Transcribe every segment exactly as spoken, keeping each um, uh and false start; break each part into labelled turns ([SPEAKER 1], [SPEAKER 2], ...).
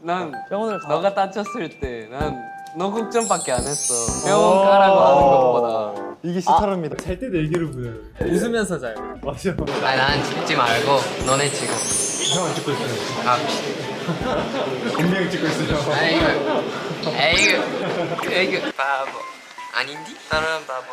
[SPEAKER 1] 난
[SPEAKER 2] 병원을 가.
[SPEAKER 1] 너가 다쳤을 때 난 너 걱정밖에 안 했어. 병원 가라고 하는 것보다.
[SPEAKER 3] 이게 시타랍니다.
[SPEAKER 4] 잘 때도 애교를 부려요.
[SPEAKER 2] 웃으면서 자요.
[SPEAKER 3] 맞아.
[SPEAKER 1] 아니 난 찍지 말고 너네 지금.
[SPEAKER 3] 형 찍고 있어요.
[SPEAKER 1] 아,
[SPEAKER 3] 분명히 찍고 있어요.
[SPEAKER 1] 아이고, 아이고, 아이고, 바보. 아닌디? 나는 바보.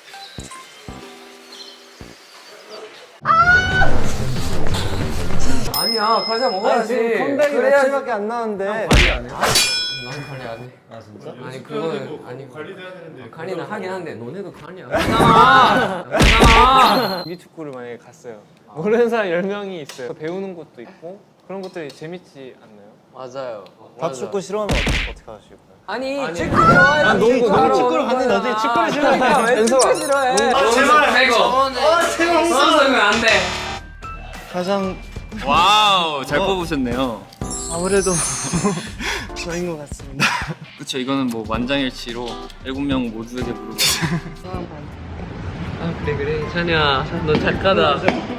[SPEAKER 1] 아니야, 과자 먹어야지.
[SPEAKER 2] 컴백이 며칠밖에 안 나왔는데.
[SPEAKER 1] 관리 안 해? 난 관리 안 해. 아 진짜? 아니 그거는 아니 관리도 해야 되는데. 관리는 하긴 하는데 너네도 관리 안 해. 하잖아. 하잖아.
[SPEAKER 2] 조기 축구를 만약에 갔어요. 모르는 사람 열 명이 있어요. 배우는 것도 있고 그런 것들이 재밌지 않나요?
[SPEAKER 1] 맞아요.
[SPEAKER 3] 다
[SPEAKER 1] 맞아.
[SPEAKER 3] 축구 싫어하면 어떻게 하실 거예요?
[SPEAKER 1] 아니, 축구 좋아해.
[SPEAKER 2] 난 농구, 농구 축구를 갔는데 어떻게 축구를 싫어하니까.
[SPEAKER 1] 왜 축구 싫어해? 아 제발. 빼고. 아 제발. 선수는 안 돼.
[SPEAKER 3] 가장
[SPEAKER 5] 와우, 잘 뽑으셨네요.
[SPEAKER 3] 아무래도 저인 것 같습니다.
[SPEAKER 5] 그쵸, 이거는 뭐 만장일치로 일곱 명 모두에게 물어보.
[SPEAKER 1] 아 그래 그래. 찬이야, 너 작가다.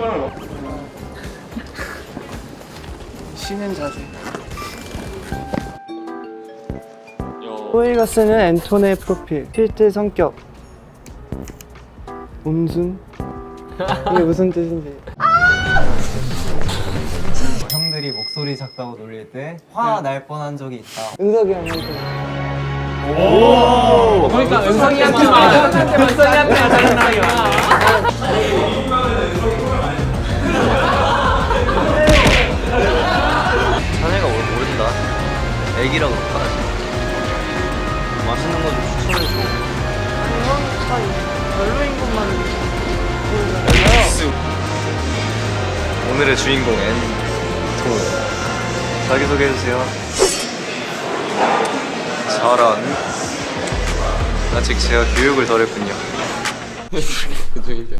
[SPEAKER 3] 쉬는 자세.
[SPEAKER 6] 호이가 쓰는 앤톤의 프로필, 필드 성격, 음순. 이게 무슨 뜻인지.
[SPEAKER 3] 형들이 목소리 작다고 놀릴 때 화 날 뻔한 적이 있다.
[SPEAKER 6] 은석이 형한테.
[SPEAKER 1] 그러니까 은성이한테 말. 은성이한테 하자.
[SPEAKER 7] 자네가 뭘 모른다. 애기라고 그러지. 맛있는 거 좀 추천해줘.
[SPEAKER 6] 별로인 것만.
[SPEAKER 7] 오늘의 주인공 앤톤. 자기소개해주세요. 저런. 아직 제가 교육을 덜 했군요.